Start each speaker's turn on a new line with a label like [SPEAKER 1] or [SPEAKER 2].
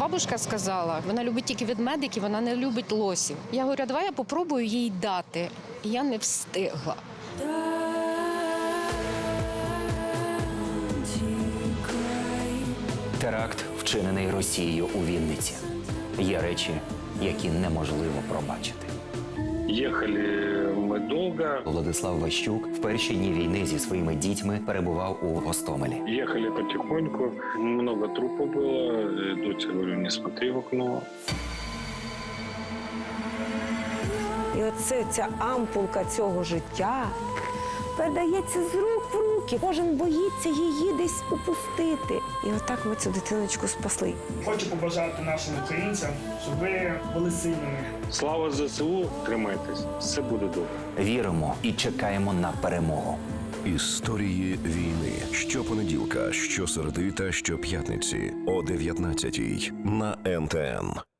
[SPEAKER 1] Бабушка сказала, вона любить тільки ведмедиків, вона не любить лосів. Я говорю, давай я попробую їй дати. І я не встигла.
[SPEAKER 2] Теракт, вчинений Росією у Вінниці. Є речі, які неможливо пробачити.
[SPEAKER 3] Ехали мы долго.
[SPEAKER 2] Владислав Ващук в перші дні війни зі своїми дітьми перебував у Гостомелі.
[SPEAKER 3] Ехали потихоньку. Много трупов было. Дочь, говорю, не смотри в окно.
[SPEAKER 4] І оце ця ампулка цього життя передається з рук в руки. Кожен боїться її десь упустити. І отак ми цю дитиночку спасли.
[SPEAKER 5] Хочу побажати нашим українцям, щоб ви були сильними.
[SPEAKER 3] Слава ЗСУ, тримайтесь, все буде добре.
[SPEAKER 2] Віримо і чекаємо на перемогу.
[SPEAKER 6] Історії війни. Щопонеділка, щосереди та щоп'ятниці о 19-й на НТН.